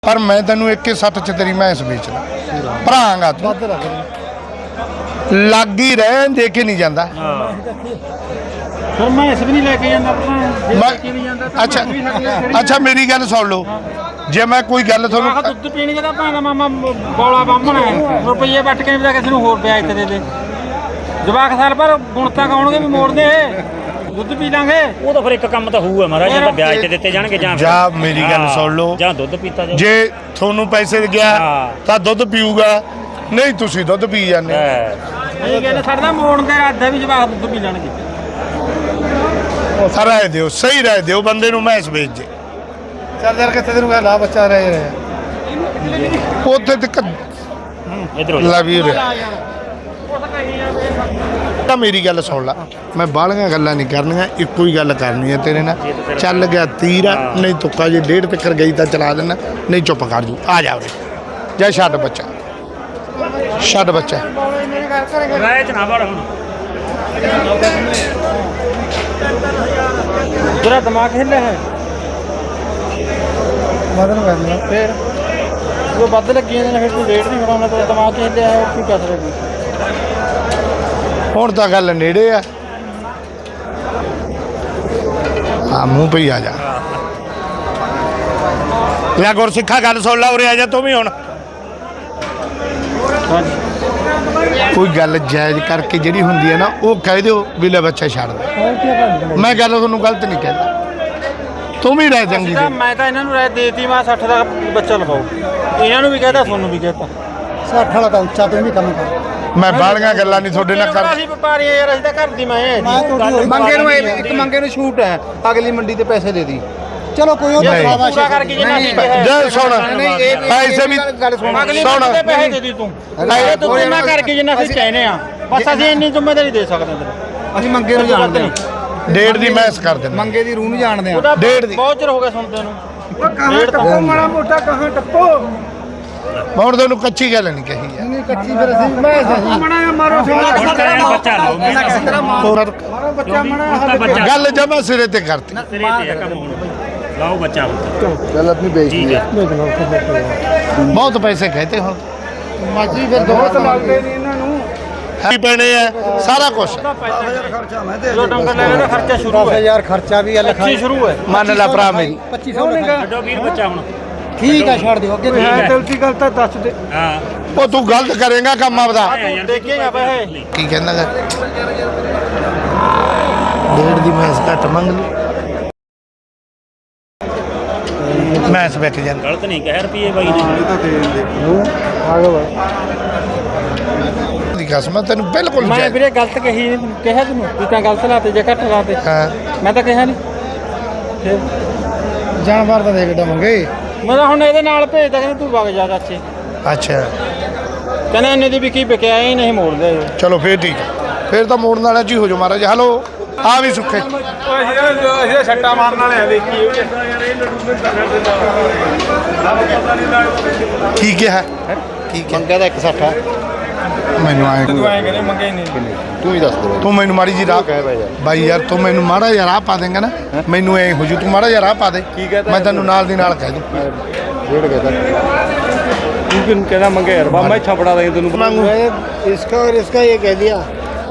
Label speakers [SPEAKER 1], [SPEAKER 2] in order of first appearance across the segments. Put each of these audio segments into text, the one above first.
[SPEAKER 1] पर मैं तेन 1.60 च तेरी भैंस बेचना भरांगा तू लग ही रहे देखे नहीं जाता अच्छा अच्छा मेरी गल सुन लो जे मैं कोई गल
[SPEAKER 2] दुध पीने का मामा बौला बामण है रुपये बट के किसी होर ब्याज ते दे जवाक साल पर गुणता गाउणगे भी मोड़ दे दुध पी लांगे वो तो फिर एक काम तो होऊगा महाराज ਜਾਂ ਤਾਂ ਵਿਆਜ ਤੇ ਦਿੱਤੇ ਜਾਣਗੇ
[SPEAKER 1] ਜਾਂ ਮੇਰੀ ਗੱਲ ਸੁਣ ਲਓ
[SPEAKER 2] ਜਾਂ ਦੁੱਧ ਪੀਤਾ ਜਾਊ
[SPEAKER 1] ਜੇ ਤੁਹਾਨੂੰ ਪੈਸੇ ਗਿਆ ਤਾਂ ਦੁੱਧ ਪੀਊਗਾ ਨਹੀਂ ਤੁਸੀਂ ਦੁੱਧ ਪੀ ਜਾਂਦੇ
[SPEAKER 2] ਇਹ ਕਹਿੰਦੇ ਸਾਡਾ ਮੋੜਨ ਦੇ ਰਾਦਾ ਵੀ ਜਵਾਕ ਦੁੱਧ ਪੀ ਲੈਣਗੇ
[SPEAKER 1] ਰਾਏ ਦਿਓ ਸਹੀ ਰਾਏ ਦਿਓ ਬੰਦੇ ਨੂੰ ਮੈਸ ਵੇਚ ਜੇ
[SPEAKER 3] ਚੱਲ ਯਾਰ ਕਿੱਥੇ ਤੈਨੂੰ ਲਾ ਬੱਚਾ ਰਹੇ
[SPEAKER 1] ਉੱਥੇ ਤੱਕ
[SPEAKER 2] ਇਧਰੋਂ
[SPEAKER 1] ਲਾ ਵੀ ਰਿਹਾ ਤਾਂ ਮੇਰੀ ਗੱਲ ਸੁਣ ਲਾ ਮੈਂ ਬਾਹਲੀਆਂ ਗੱਲਾਂ ਨਹੀਂ ਕਰਨੀਆਂ ਇੱਕੋ ਹੀ ਗੱਲ ਕਰਨੀ ਹੈ ਤੇਰੇ ਨਾਲ ਚੱਲ ਗਿਆ ਤੀਰ ਨਹੀਂ ਤੁੱਕਾ ਜੇ 1.5 ਤੱਕ ਗਈ ਤਾਂ ਚਲਾ ਦੇਣਾ ਨਹੀਂ ਚੁੱਪ ਕਰ ਜੂ ਆ ਜਾ ਉਰੇ ਜਾ ਛੱਡ ਬੱਚਾ
[SPEAKER 2] ਰਾਇ ਚ ਨਾ ਵੜ ਹੁਣ ਤੇਰਾ ਦਿਮਾਗ ਹਿੱਲਿਆ ਹੈ
[SPEAKER 3] ਮਦਨ ਕਰਨਾ
[SPEAKER 2] ਫਿਰ ਉਹ ਵੱਧ ਲੱਗੀ ਜਾਂਦੇ ਨੇ ਫਿਰ ਤੂੰ ਰੇਟ ਨਹੀਂ ਫੜਾਉਣਾ ਤੇਰਾ ਦਿਮਾਗ ਹਿੱਲਿਆ ਹੈ ਕੀ ਕਰ ਸਕਦਾ
[SPEAKER 1] ਹੁਣ ਤਾਂ ਗੱਲ ਨੇੜੇ ਆ ਮੂੰਹ ਪਈ ਆ ਜਾ ਲੈ ਗੁਰਸਿੱਖਾ ਗੱਲ ਸੁਣ ਲਾ ਉਰੇ ਆ ਜਾ ਤੂੰ ਵੀ ਹੁਣ ਕੋਈ ਗੱਲ ਜਾਇਜ਼ ਕਰਕੇ ਜਿਹੜੀ ਹੁੰਦੀ ਹੈ ਨਾ ਉਹ ਕਹਿ ਦਿਓ ਵੀ ਲੈ ਬੱਚਾ ਛੱਡ ਦੇ ਮੈਂ ਗੱਲ ਤੁਹਾਨੂੰ ਗਲਤ ਨਹੀਂ ਕਹਿੰਦਾ ਤੂੰ ਵੀ ਰਹਿ ਚੰਗੀ
[SPEAKER 2] ਮੈਂ ਤਾਂ ਇਹਨਾਂ ਨੂੰ ਰਾਇ ਦੇਤੀ ਮੈਂ 60 ਦਾ ਬੱਚਾ ਲਵਾਓ ਇਹਨਾਂ ਨੂੰ ਵੀ ਕਹਤਾ ਤੁਹਾਨੂੰ ਵੀ ਕਹਤਾ
[SPEAKER 3] 60 ਵਾਲਾ ਤਾਂ ਉੱਚਾ ਤੂੰ ਵੀ ਕੰਮ ਕਰ
[SPEAKER 1] ਮੈਂ ਬਾਲੀਆਂ ਗੱਲਾਂ ਨਹੀਂ ਤੁਹਾਡੇ ਨਾਲ ਕਰ
[SPEAKER 2] ਅਸੀਂ ਵਪਾਰੀ ਯਾਰ ਅਸੀਂ ਤਾਂ ਘਰ ਦੀ ਮੈਂ
[SPEAKER 3] ਮੰਗੇ ਨੂੰ ਇੱਕ ਮੰਗੇ ਨੂੰ ਛੂਟ ਹੈ ਅਗਲੀ ਮੰਡੀ ਤੇ ਪੈਸੇ ਦੇ ਦੀ ਚਲੋ ਕੋਈ ਉਹ
[SPEAKER 2] ਪੂਰਾ ਕਰਕੇ ਜਿੰਨਾ ਅਸੀਂ ਕਿਹਾ
[SPEAKER 1] ਜੇ ਸੁਣ ਪੈਸੇ ਵੀ
[SPEAKER 2] ਅਗਲੀ
[SPEAKER 1] ਸੁਣ
[SPEAKER 2] ਮੰਡੀ ਤੇ ਪੈਸੇ ਦੇ ਦੀ ਤੂੰ ਇਹ ਤੂੰ ਨਾ ਕਰਕੇ ਜਿੰਨਾ ਅਸੀਂ ਕਹਿੰਦੇ ਆ ਬਸ ਅਸੀਂ ਇੰਨੀ ਜ਼ਿੰਮੇਵਾਰੀ ਦੇ ਸਕਦੇ ਤੇਰੇ
[SPEAKER 3] ਅਸੀਂ ਮੰਗੇ ਨੂੰ ਜਾਣਦੇ ਹਾਂ
[SPEAKER 1] ਡੇਢ ਦੀ ਮੈਸ ਕਰ ਦਿੰਦਾ
[SPEAKER 3] ਮੰਗੇ ਦੀ ਰੂਹ ਨੂੰ ਜਾਣਦੇ ਹਾਂ
[SPEAKER 1] ਡੇਢ ਦੀ
[SPEAKER 2] ਬਹੁਤ ਚਿਰ ਹੋ ਗਿਆ ਸੁਣਦੇ ਨੂੰ
[SPEAKER 3] ਉਹ ਕਹਾਂ ਟੱਪੋ ਮਾੜਾ ਮੋਟਾ ਕਹਾਂ ਟੱਪੋ
[SPEAKER 1] ਹੁਣ ਤੁਹਾਨੂੰ ਕੱਚੀ ਗੱਲ ਨਹੀਂ ਕਹੀ ਹੈ
[SPEAKER 3] ਨਹੀਂ ਕੱਚੀ ਫਿਰ ਅਸੀਂ ਮੈਂ ਸਹੀ ਮਣਾ ਮਾਰੋ
[SPEAKER 2] ਬੱਚਾ ਲਓ
[SPEAKER 3] ਮਾਰੋ ਬੱਚਾ ਮਣਾ
[SPEAKER 1] ਗੱਲ ਜਮਾ ਸਿਰੇ ਤੇ ਕਰਤੀ
[SPEAKER 2] ਤੇਰੇ ਤੇ ਕੰਮ ਹੁਣ ਲਾਓ ਬੱਚਾ
[SPEAKER 3] ਚੱਲ ਆਪਣੀ ਬੇਇੱਜ਼ਤੀ
[SPEAKER 2] ਠੀਕ ਹੈ
[SPEAKER 1] ਬਹੁਤ ਪੈਸੇ ਕਹਤੇ ਹੁਣ
[SPEAKER 3] ਮਾਜੀ ਫਿਰ ਦੋਸਤ ਲੱਗਦੇ ਨਹੀਂ ਇਹਨਾਂ ਨੂੰ
[SPEAKER 1] ਕੀ ਪੈਣੇ ਆ ਸਾਰਾ ਕੁਝ
[SPEAKER 3] ਖਰਚਾ ਮੈਂ ਦੇ
[SPEAKER 2] ਜੋ ਡੰਗਰ ਲੈ ਲੈਣਾ ਖਰਚਾ ਸ਼ੁਰੂ ਹੈ
[SPEAKER 3] 10000 ਖਰਚਾ ਵੀ ਹੈ
[SPEAKER 2] ਅੱਛੀ ਸ਼ੁਰੂ ਹੈ
[SPEAKER 1] ਮੰਨ ਲੈ ਭਰਾ ਮੇਰੀ
[SPEAKER 3] 2500 ਲਿਖਾ
[SPEAKER 2] ਛੱਡੋ ਵੀਰ ਬੱਚਾ ਹੁਣ
[SPEAKER 3] ਠੀਕ ਹੈ ਛੱਡ ਦਿਓ ਅੱਗੇ ਗਲਤੀ ਗੱਲ ਤਾਂ ਦੱਸ ਦੇ
[SPEAKER 2] ਹਾਂ
[SPEAKER 1] ਉਹ ਤੂੰ ਗਲਤ ਕਰੇਗਾ ਕੰਮ ਆਪਦਾ
[SPEAKER 2] ਦੇਖੇਗਾ ਪੈਸੇ
[SPEAKER 1] ਕੀ ਕਹਿੰਦਾ ਗਾ ਡੇਢ ਦੀ ਮੈਸ ਘੱਟ ਮੰਗ ਲਈ ਮੈਸ ਵਿਕ ਜਾਂਦਾ
[SPEAKER 2] ਗਲਤ ਨਹੀਂ ਕਹਿ ਰੁਪਏ ਬਾਈ ਨੇ
[SPEAKER 1] ਦੀ ਕਸਮ ਹੈ ਤੈਨੂੰ ਬਿਲਕੁਲ
[SPEAKER 2] ਮੈਂ
[SPEAKER 1] ਜਾਇਜ਼।
[SPEAKER 2] ਵੀਰੇ ਗਲਤ ਕਹੀ ਨਹੀਂ ਕਿਹਾ ਤੈਨੂੰ ਤੂੰ ਤਾਂ ਗਲਤ ਲਾਤੇ ਜੇ ਘੱਟ ਲਾਤੇ
[SPEAKER 1] ਹਾਂ
[SPEAKER 2] ਮੈਂ ਤਾਂ ਕਿਹਾ ਨਹੀਂ ਫਿਰ
[SPEAKER 3] ਜਾਨਵਰ ਤਾਂ ਦੇਖਦਾ ਮੰਗੇ
[SPEAKER 2] ਮੈਂ ਤਾਂ ਹੁਣ ਇਹਦੇ ਨਾਲ ਭੇਜਦਾ ਕਹਿੰਦਾ ਤੂੰ ਵਗ ਜਾ ਚਾਚੇ
[SPEAKER 1] ਅੱਛਾ
[SPEAKER 2] ਕਹਿੰਦਾ ਇੰਨੇ ਦੀ ਵਿਕੀ ਵਿਕਿਆ ਹੀ ਨਹੀਂ ਮੋੜਦੇ
[SPEAKER 1] ਚਲੋ ਫੇਰ ਠੀਕ ਹੈ। ਫੇਰ ਤਾਂ ਮੋੜਨ ਵਾਲਾ ਜੀ ਹੋ ਜਾ ਮਹਾਰਾਜ ਹਲੋ ਆ ਵੀ ਸੁੱਖੇ
[SPEAKER 2] ਅਸੀਂ ਛੱਟਾ ਮਾਰਨ ਵਾਲੇ ਆ ਦੇਖੀ
[SPEAKER 1] ਕੀ ਕਿਹਾ ਕੀ ਕਿਹਾ
[SPEAKER 3] ਮੰਗਾ ਦਾ 160 ਹੈ
[SPEAKER 1] ਮੈਨੂੰ ਆਏ
[SPEAKER 2] ਤੂੰ ਐਂ ਕਹਿੰਦੇ ਮੰਗੇ ਹੀ ਨਹੀਂ
[SPEAKER 3] ਤੂੰ ਹੀ ਦੱਸ ਦੇ
[SPEAKER 1] ਤੂੰ ਮੈਨੂੰ ਮਾੜੀ ਜੀ ਰਾਹ
[SPEAKER 3] ਕਹਿ ਬਾਈ
[SPEAKER 1] ਬਾਈ ਯਾਰ ਤੂੰ ਮੈਨੂੰ ਮਾੜਾ ਜਿਹਾ ਰਾਹ ਪਾ ਦੇਂਗਾ ਨਾ ਮੈਨੂੰ ਐ ਹੋ ਜੂ ਤੂੰ ਮਾੜਾ ਜਿਹਾ ਰਾਹ ਪਾ ਦੇ ਮੈਂ ਤੈਨੂੰ ਨਾਲ ਦੀ ਨਾਲ ਕਹਿ ਦੂੰ
[SPEAKER 3] ਡੇਢ कहता
[SPEAKER 2] ਤੂੰ ਕਿਹਨੂੰ ਕਹਿੰਦਾ ਮੰਗੇ ਯਾਰ ਬਾਬਾ ਇੱਥਾ ਫੜਾ ਦੇ ਤੈਨੂੰ
[SPEAKER 1] ਮੰਗੂ
[SPEAKER 3] इसका और इसका ये कह दिया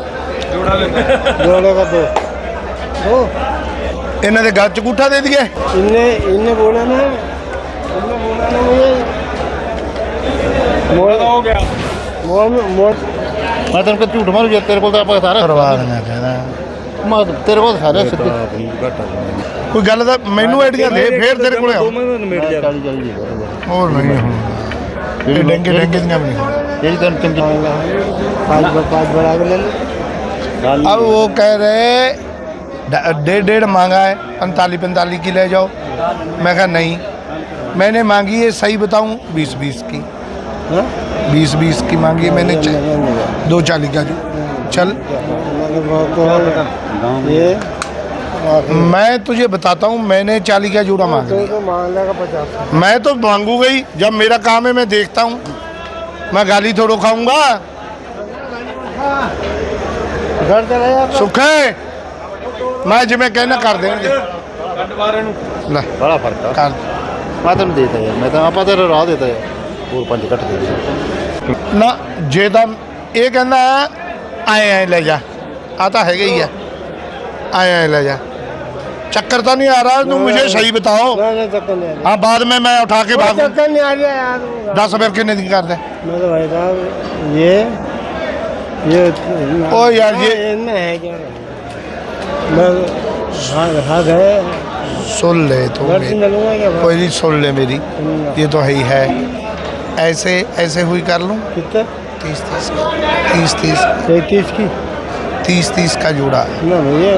[SPEAKER 3] जोड़े का दो
[SPEAKER 1] ਇਹਨਾਂ ਦੇ ਗਲ ਚ ਗੂਠਾ ਦੇ ਦਈਏ
[SPEAKER 3] इनने इनने बोला ना मुझे मोड़
[SPEAKER 2] ਹੋ ਗਿਆ
[SPEAKER 3] मोड़ मैं तेरे को झूठ मारू जे तेरे को तो आप सारा
[SPEAKER 1] ਪਰਵਾਹ ਨਾ ਕਹਿੰਦਾ
[SPEAKER 3] मैं तेरे को सारे सीधे
[SPEAKER 1] ਕੋਈ ਗੱਲ ਦਾ ਮੈਨੂੰ ਆਈਡੀਆ ਦੇ ਫੇਰ ਤੇਰੇ ਕੋਲੇ ਆਉ ਹੋਰ ਨਹੀਂ ਹੁਣ ਇਹ ਡੰਗੇ ਦੀਆਂ ਵੀ ਨਹੀਂ
[SPEAKER 3] यही तो चंगी पाँच बड़ा के ले ले
[SPEAKER 1] अब वो कह रहे डेढ़ मांगा है 45 की ले जाओ मैं कहा नहीं मैंने मांगी है सही बताऊं 20 की 20 की मांगी है मैंने 240 का जो चल
[SPEAKER 3] ये
[SPEAKER 1] मैं तुझे बताता हूँ मैंने 40 का जोड़ा मांगा लिया
[SPEAKER 3] मान लेगा 50
[SPEAKER 1] मैं तो मांगूंगा ही जब मेरा काम है मैं देखता हूँ मैं गाली थोड़ो खाऊंगा
[SPEAKER 3] घर चला यार
[SPEAKER 1] सुख है मैं जिमें कहना कर देंगे
[SPEAKER 3] बड़ा फर्क है
[SPEAKER 1] कर
[SPEAKER 3] ਮੈਂ ਤੈਨੂੰ ਦੇਤਾ ਯਾਰ, ਮੈਂ ਤਾਂ ਆਪਾਂ ਤੇਰਾ ਰਾਹ ਦੇਤਾ ਯਾਰ, ਹੋਰ 5 ਘੱਟ ਦੇ ਦੇ।
[SPEAKER 1] ਨਾ ਜੇ ਤਾਂ ਇਹ ਕਹਿੰਦਾ ਆਏ ਲੈ ਜਾ, ਆ ਤਾਂ ਹੈਗਾ ही है, आए ले जा, चक्कर तो नहीं आ रहा, तुम मुझे सही बताओ। हाँ बाद में मैं उठा के भागूं।
[SPEAKER 4] चक्कर नहीं आ रहा यार।
[SPEAKER 1] 10 रुपये कितने दिन कर दे?
[SPEAKER 4] मैं तो भाई साहब ये
[SPEAKER 1] ओ यार ये
[SPEAKER 4] इनमें है क्या? मैं भाग है
[SPEAKER 1] सुन ले तो
[SPEAKER 4] घर से लूँगा क्या?
[SPEAKER 1] कोई नहीं, सुन ले मेरी, ये तो है ही है। ऐसे ऐसे हुई कर लूँ
[SPEAKER 4] कितना?
[SPEAKER 1] 30
[SPEAKER 4] 30 की
[SPEAKER 1] 30 का जोड़ा।
[SPEAKER 4] ना भैया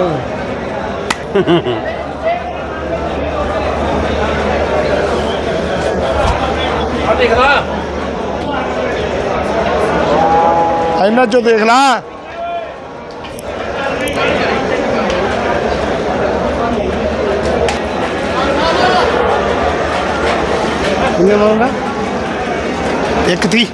[SPEAKER 1] इन्ना चो देख ला।
[SPEAKER 4] कितने मांगा?
[SPEAKER 1] एक थी।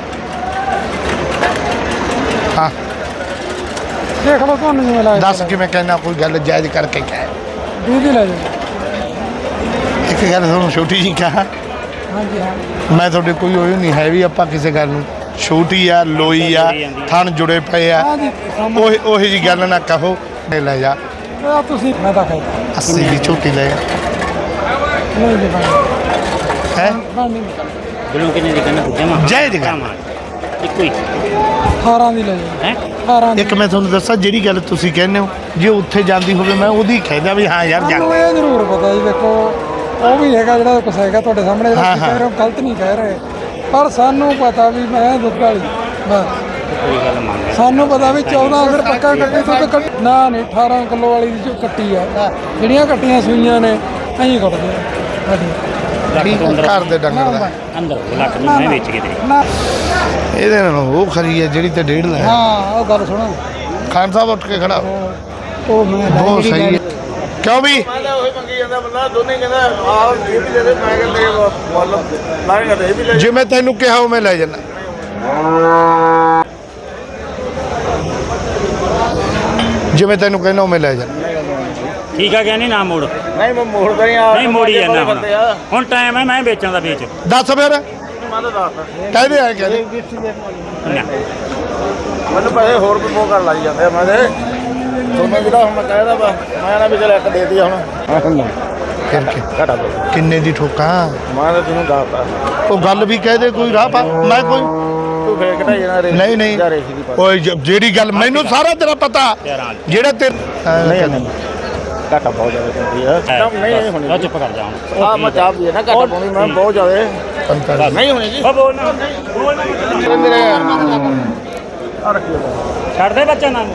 [SPEAKER 1] हाँ
[SPEAKER 4] देख लो कौन नहीं मिला
[SPEAKER 1] 10 कि मैं कहना कोई गल जायज करके क्या
[SPEAKER 4] दूध ही ले जाओ।
[SPEAKER 1] एक गल सुनो छोटी जी क्या
[SPEAKER 4] हाँ जी हाँ
[SPEAKER 1] मैं थोड़े कोई होई नहीं है भी ਆਪਾਂ ਕਿਸੇ ਗੱਲ ਨੂੰ ਛੋਟੀ ਆ ਲੋਈ ਆ ਥਣ ਜੁੜੇ ਪਏ ਆ
[SPEAKER 4] हाँ जी
[SPEAKER 1] ਉਹੀ ਜੀ ਗੱਲ ਨਾ ਕਹੋ ਲੈ ਜਾ
[SPEAKER 4] ਤੁਸੀਂ मैं तो खाई
[SPEAKER 1] 80 ਦੀ ਝੋਟੀ ਲੈ
[SPEAKER 4] नहीं जी भाई
[SPEAKER 1] ਹੈ
[SPEAKER 4] नहीं
[SPEAKER 2] ਬਿਲੋਂ ਕਿੰਨੇ ਦੀ ਕਹਿੰਦਾ ਜਮਾ
[SPEAKER 1] ਜਾਇਜ਼ ਗੱਲ।
[SPEAKER 2] ਇੱਕੋ ਹੀ
[SPEAKER 4] 18 ਦੀ ਲੈ ਜਾਓ
[SPEAKER 2] ਹੈ
[SPEAKER 4] 18 ਦੀ
[SPEAKER 1] ਇੱਕ ਮੈਂ ਤੁਹਾਨੂੰ ਦੱਸਾਂ ਜਿਹੜੀ ਗੱਲ ਤੁਸੀਂ ਕਹਿੰਦੇ ਹੋ ਜੇ ਉੱਥੇ ਜਾਂਦੀ ਹੋਵੇ ਮੈਂ ਉਹਦੀ ਕਹਿੰਦਾ ਵੀ ਹਾਂ ਯਾਰ
[SPEAKER 4] ਸਾਨੂੰ
[SPEAKER 1] ਜਾਂਦੇ
[SPEAKER 4] ਇਹ ਜ਼ਰੂਰ ਪਤਾ ਜੀ ਦੇਖੋ ਉਹ ਵੀ ਹੈਗਾ ਜਿਹੜਾ ਕੁਛ ਹੈਗਾ ਤੁਹਾਡੇ ਸਾਹਮਣੇ ਜਿਹੜਾ
[SPEAKER 1] ਹਾਂ,
[SPEAKER 4] ਤੁਸੀਂ ਕਹਿ ਰਹੇ ਹੋ ਗਲਤ ਨਹੀਂ ਕਹਿ ਰਹੇ ਪਰ ਸਾਨੂੰ ਪਤਾ ਵੀ ਮੈਂ ਦੁੱਧ ਵਾਲੀ ਬਸ
[SPEAKER 2] ਕੋਈ ਗੱਲ ਮੰਨ
[SPEAKER 4] ਸਾਨੂੰ ਪਤਾ ਵੀ 14 ਫਿਰ ਪੱਕਾ ਕੱਟੀ ਤੋਂ ਨਾ ਨਹੀਂ 18 ਕਿਲੋ ਵਾਲੀ ਦੀ ਜੋ ਕੱਟੀ ਆ ਜਿਹੜੀਆਂ ਕੱਟੀਆਂ ਸੂਈਆਂ ਨੇ ਐਂ ਕੱਟਦੇ ਆ ਹਾਂਜੀ
[SPEAKER 1] ਠੀਕ ਹੈ, ਘਰ ਦੇ ਡੰਗਰ ਦਾ
[SPEAKER 2] ਅੰਦਰ ਲੱਖ ਨੂੰ ਮੈਂ ਵੇਚ ਕੇ ਦੇ
[SPEAKER 4] ਨਾ
[SPEAKER 1] ਇਹਦੇ ਨਾਲ ਉਹ ਖਰੀ ਹੈ ਜਿਹੜੀ ਤੇ 1.5 ਲੈ
[SPEAKER 4] ਹਾਂ ਉਹ ਗੱਲ ਸੁਣੋ
[SPEAKER 1] ਖਾਨ ਸਾਹਿਬ ਉੱਠ ਕੇ ਖੜਾ ਹੋ।
[SPEAKER 4] ਉਹ ਮੈਂ
[SPEAKER 1] ਬਹੁਤ ਸਹੀ ਹੈ ਕਿਉਂ ਵੀ ਜਿਵੇਂ ਤੈਨੂੰ ਕਿਹਾ ਉਹ ਮੈਂ ਲੈ ਜਾਣਾ ਜਿਵੇਂ ਤੈਨੂੰ ਕਹਿਣਾ ਉਹ ਮੈਂ ਲੈ ਜਾਣਾ
[SPEAKER 2] ਠੀਕ ਆ ਗਿਆ ਨਹੀਂ ਨਾ ਮੋੜ
[SPEAKER 3] ਨਹੀਂ ਮੈਂ ਮੋੜਦਾ ਨਹੀਂ ਆ
[SPEAKER 2] ਨਹੀਂ ਮੋੜੀ ਜਾਂਦਾ ਹੁਣ ਟਾਈਮ ਹੈ ਮੈਂ ਵੇਚਾਂ ਦਾ ਵੇਚ
[SPEAKER 1] ਦੱਸ ਫਿਰ
[SPEAKER 3] ਮੈਂ ਤਾਂ ਦੱਸਦਾ
[SPEAKER 1] ਕਹਦੇ ਆ ਕਹਿੰਦੇ
[SPEAKER 2] ਨਾ
[SPEAKER 3] ਮੈਨੂੰ ਪੈਸੇ ਹੋਰ ਵੀ ਮੋਹ ਕਰ ਲਾਈ ਜਾਂਦੇ ਆ ਮੈਂ ਤੇ ਤੁਹਾਨੂੰ ਜਿਹੜਾ ਹੁਣ ਮੈਂ ਕਹਿਦਾ ਵਾ ਮੈਂ ਨਾ ਵੀ ਚਲ ਇੱਕ ਦੇ ਦੀ ਹੁਣ
[SPEAKER 1] ਫਿਰ
[SPEAKER 3] ਘਟਾ ਦੋ
[SPEAKER 1] ਕਿੰਨੇ ਦੀ ਠੋਕਾਂ
[SPEAKER 3] ਮੈਂ ਤਾਂ ਤੈਨੂੰ ਦੱਸਦਾ
[SPEAKER 1] ਉਹ ਗੱਲ ਵੀ ਕਹਿ ਦੇ ਕੋਈ ਰਾਹ ਪਾ ਮੈਂ ਕੋਈ
[SPEAKER 3] ਤੂੰ ਫੇਰ ਘਟਾਈ ਜਾਣਾ ਰੇਸ
[SPEAKER 1] ਨਹੀਂ ਨਹੀਂ
[SPEAKER 3] ਜਾਂ ਰੇਸ ਦੀ ਪਾ
[SPEAKER 1] ਓਏ ਜਿਹੜੀ ਗੱਲ ਮੈਨੂੰ ਸਾਰਾ ਤੇਰਾ ਪਤਾ ਜਿਹੜਾ ਤੇ
[SPEAKER 3] ਨਹੀਂ ਨਹੀਂ ਘਟਾ ਬਹੁਤ ਜ਼ਿਆਦਾ ਪੈਂਦੀ ਆ ਨਹੀਂ ਹੋਣੀ
[SPEAKER 2] ਲਓ ਚੁੱਪ ਕਰ ਜਾ ਹੁਣ
[SPEAKER 3] ਆ ਮੈਂ ਚਾਹ ਪੀਏ ਨਾ ਘਟਾ ਪਾਉਂਦੀ ਮੈਂ ਬਹੁਤ ਜ਼ਿਆਦਾ
[SPEAKER 1] 45
[SPEAKER 3] ਨਹੀਂ ਹੋਣੀ ਜੀ
[SPEAKER 2] ਉਹ ਬੋਲ ਨਾ
[SPEAKER 3] ਮੇਰੇ ਆ ਰੱਖਿਓ
[SPEAKER 2] ਛੱਡ ਦੇ ਬੱਚਾ ਨਾ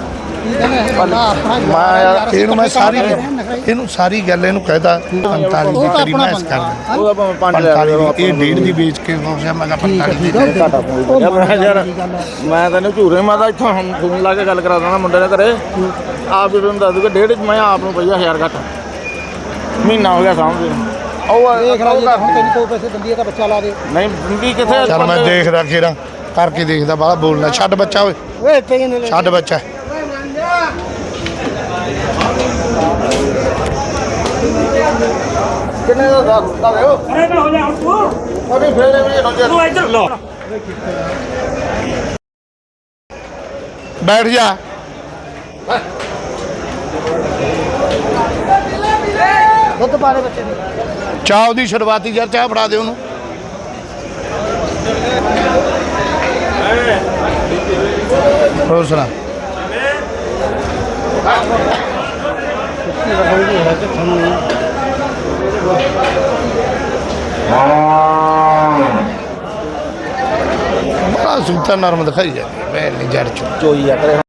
[SPEAKER 1] ਮੈਂ ਯਾਰ ਇਹਨੂੰ ਸਾਰੀ ਗੱਲ ਇਹਨੂੰ ਕਹਿਦਾ 45 ਦੀ ਤੇਰੀ ਮੈਂ ਇਸ ਕਰ ਦਿੰਦਾ
[SPEAKER 3] ਉਹਦਾ ਭਾਵੇਂ 5 ਲੈ
[SPEAKER 1] 45 ਦੀ ਇਹ 1.5 ਦੀ ਵੇਚ ਕੇ ਹੋਇਆ ਮੈਂ ਕਿਹਾ 45 ਦੀ ਦੇ।
[SPEAKER 3] ਘਟਾ ਪਾਉਂਦੀ ਯਾਰ ਮੈਂ ਤੈਨੂੰ ਝੂਰੇ ਮੈਂ ਤਾਂ ਇੱਥੋਂ ਹੁਣ ਫੋਨ ਲਾ ਕੇ ਗੱਲ ਕਰਾ ਦੇਣਾ ਮੁੰਡੇ ਦੇ ਘਰੇ ਆਪ ਵੀ ਤੁਹਾਨੂੰ ਦੱਸ ਦੂਗਾ 1.5 ਮੈਂ ਆਪ ਨੂੰ ਪਈਆ 1000 ਘੱਟ ਮਹੀਨਾ ਹੋ ਗਿਆ ਸਾਹਮਣੇ ਉਹ ਦੇਖ ਲਾ ਜੀ ਹੁਣ ਤੈਨੂੰ ਕੋਈ ਪੈਸੇ ਦਿੰਦੀ ਹੈ ਤਾਂ ਬੱਚਾ ਲਾ ਦੇ ਨਹੀਂ ਦਿੰਦੀ ਕਿੱਥੇ
[SPEAKER 1] ਚੱਲ ਮੈਂ ਦੇਖਦਾ ਕਿਹੜਾ ਕਰਕੇ ਦੇਖਦਾ ਬਾਹਲਾ ਬੋਲਣਾ ਛੱਡ ਬੱਚਾ ਓਏ
[SPEAKER 4] ਓਏ ਪੈਸੇ ਨੇ
[SPEAKER 1] ਛੱਡ ਬੱਚਾ
[SPEAKER 3] ਕਿੰਨੇ ਦਾ ਦੱਸਦਾ ਦਿਓ
[SPEAKER 2] ਅਰੇ ਨਾ ਹੋ ਜਾ ਹੁਣ ਤੂੰ
[SPEAKER 3] ਉਹਨੇ ਫੇਰ ਵੀ ਹੋ
[SPEAKER 2] ਤੂੰ ਇੱਧਰ ਲੋ
[SPEAKER 1] ਬੈਠ ਜਾ
[SPEAKER 4] ਦੁੱਧ ਪਾ ਦੇ ਬੱਚੇ ਦੇ
[SPEAKER 1] ਚਾਹ ਉਹਦੀ ਸ਼ੁਰੂਆਤੀ ਯਾਰ ਚਾਹ ਫੜਾ ਦੇ ਉਹਨੂੰ ਹੋਰ ਸੁਣਾ ਬੜਾ ਸੁੱਤਾ ਨਰਮ ਦਿਖਾਈ ਜਾਂਦੀ ਮੈਂ ਨਹੀਂ ਜੜ ਚੋ
[SPEAKER 3] ਚੋਈ ਆ ਕਰੇ